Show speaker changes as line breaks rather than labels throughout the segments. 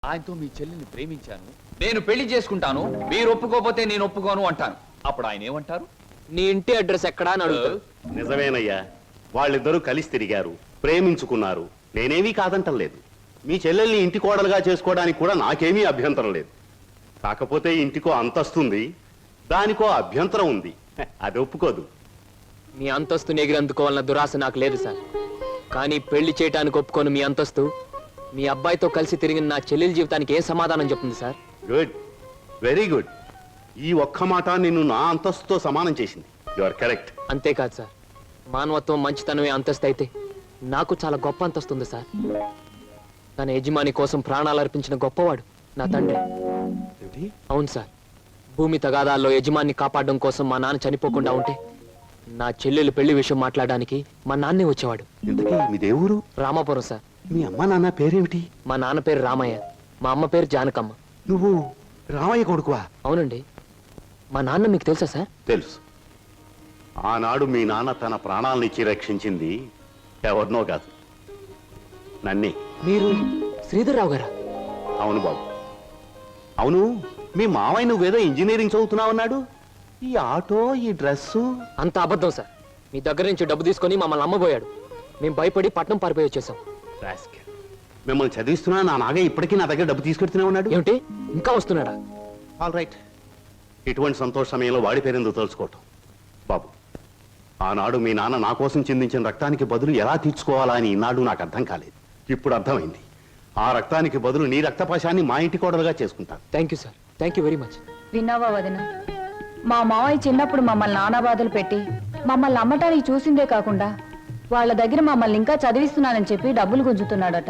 ఆయనతో మీ చెల్లిని ప్రేమించాను, నేను పెళ్లి చేసుకుంటాను, మీరు ఒప్పుకోకపోతే నేను ఒప్పుకోను అంటాను. అప్పుడు ఆయన ఏమంటారు?
నీ ఇంటి అడ్రస్ ఎక్కడా అని అడుగుతారు.
నిజమేనయ్యా, వాళ్ళిద్దరూ కలిసి తిరిగారు, ప్రేమించుకున్నారు. నేనేమీ కాదంటం లేదు. మీ చెల్లెల్ని ఇంటి కోడలుగా చేసుకోవడానికి కూడా నాకేమీ అభ్యంతరం లేదు. కాకపోతే ఇంటికో అంతస్తుంది, దానికో అభ్యంతరం ఉంది. అది ఒప్పుకోదు.
మీ అంతస్తుని ఎగిరందుకోవాలన్న దురాశ నాకు లేదు సార్. కానీ పెళ్లి చేయటానికి ఒప్పుకోను మీ అంతస్తు మీ అబ్బాయితో కలిసి తిరిగిన నా చెల్లెల జీవితానికి ఏం సమాధానం చెప్తుంది సార్?
Good, very good. ఈ ఒక్క మాట నిన్ను నా అంతస్తుతో సమానం చేసింది. You are correct.
అంతేకాదు సార్, మానవత్వం మంచితనమే అంతస్తు అయితే నాకు చాలా గొప్ప అంతస్తు ఉంది సార్. తన యజమాని కోసం ప్రాణాలు అర్పించిన గొప్పవాడు నా తండ్రి. అవును సార్, భూమి తగాదాల్లో యజమాన్ని కాపాడడం కోసం మా నాన్న చనిపోకుండా ఉంటే నా చెల్లెలు పెళ్లి విషయం మాట్లాడడానికి మా నాన్నే వచ్చేవాడు.
ఇంతకీ మీ దేవురు?
రామాపురం సార్.
మీ అమ్మ నాన్న పేరేమిటి?
మా నాన్న పేరు రామయ్య, మా అమ్మ పేరు జానకమ్మ.
నువ్వు రామయ్య కొడుకువా?
అవునండి. మా నాన్న మీకు తెలుసా సార్?
తెలుసు. ఆనాడు మీ నాన్న తన ప్రాణాలనిచ్చి రక్షించింది ఎవరినో కాదు, నన్నే.
మీరు శ్రీధర్రావు గారా?
అవును బాబు, అవును. మీ మావయ్య నువ్వేదో ఇంజనీరింగ్ చదువుతున్నావన్నాడు. ఈ ఆటో, ఈ డ్రెస్సు
అంత అబద్ధం సార్. మీ దగ్గర నుంచి డబ్బు తీసుకొని మమ్మల్ని అమ్మబోయాడు. మేము భయపడి పట్నం పారిపోయి వచ్చేసాం.
మిమ్మల్ని చదివిస్తున్నా నా నాగే ఇప్పటికీ నా దగ్గర డబ్బు తీసుకెడుతూనే ఉన్నాడు.
ఏమిటి, ఇంకా వస్తున్నాడా?
All right. ఇటువంటి సంతోష సమయంలో వాడి పేరెందుకు తలుచుకోవటం బాబు. ఆనాడు మీ నాన్న నా కోసం చిందించిన రక్తానికి బదులు ఎలా తీర్చుకోవాలా అని ఈనాడు నాకు అర్థం కాలేదు. ఇప్పుడు అర్థమైంది. ఆ రక్తానికి బదులు నీ రక్తపాశాన్ని మా ఇంటి కోడలుగా చేసుకుంటాను.
Thank you sir, thank you very much.
విన్నావా వదిన, మా మావయ్య చిన్నప్పుడు మమ్మల్ని నానా బాధలు పెట్టి మమ్మల్ని అమ్మటానికి చూసిందే కాకుండా వాళ్ళ దగ్గర మమ్మల్ని ఇంకా చదివిస్తున్నానని చెప్పి డబ్బులు గుంజుతున్నాడట.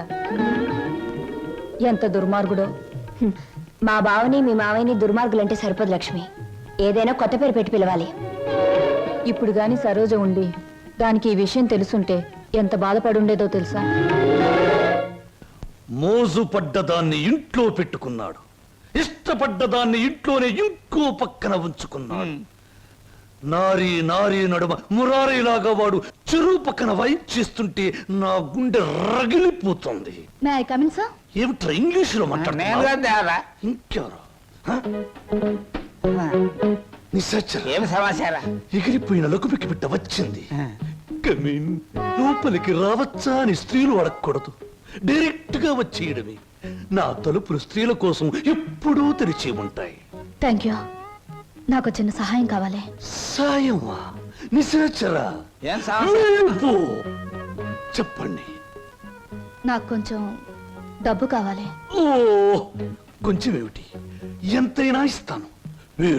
ఎంత దుర్మార్గుడో.
మా బావని మీ మావయ్యని దుర్మార్గులంటే సరిపోదు లక్ష్మి. ఏదైనా కొత్త పేరు పెట్టి పిలవాలి.
ఇప్పుడు గాని సరోజ ఉండి దానికి ఈ విషయం తెలుసుంటే ఎంత బాధపడుండేదో తెలుసా?
మోజు పడ్డదాన్ని ఇంట్లో పెట్టుకున్నాడు, ఇష్టపడ్డదాన్ని ఇంట్లోనే ఇంకో పక్కన ఉంచుకున్నాడు. నారీ నారీ నడుమ మురారీలాగా వాడు చెరువు పక్కన వైప్ చేస్తుంటే నా గుండె రగిలిపోతుంది.
May I come in sir?
ఏమిట్రా ఇంగ్లీషులో మాట్లాడుతున్నా? ఇంకెవరు?
ఏం సమాచారం?
ఎగిరిపోయిన లకుపికి బిడ్డ వచ్చింది. కమీన్. లోపలికి రావచ్చా అని స్త్రీలు అడగకూడదు, డైరెక్ట్ గా వచ్చేయడమే. నా తలుపులు స్త్రీల కోసం ఎప్పుడూ తెరిచి ఉంటాయి.
Thank you. నాకు చిన్న సహాయం కావాలి.
సాయమా? నిశాచరా, చెప్పండి.
నాకు కొంచెం డబ్బు కావాలి.
ఓ, కొంచెం ఏమిటి, ఎంతైనా ఇస్తాను.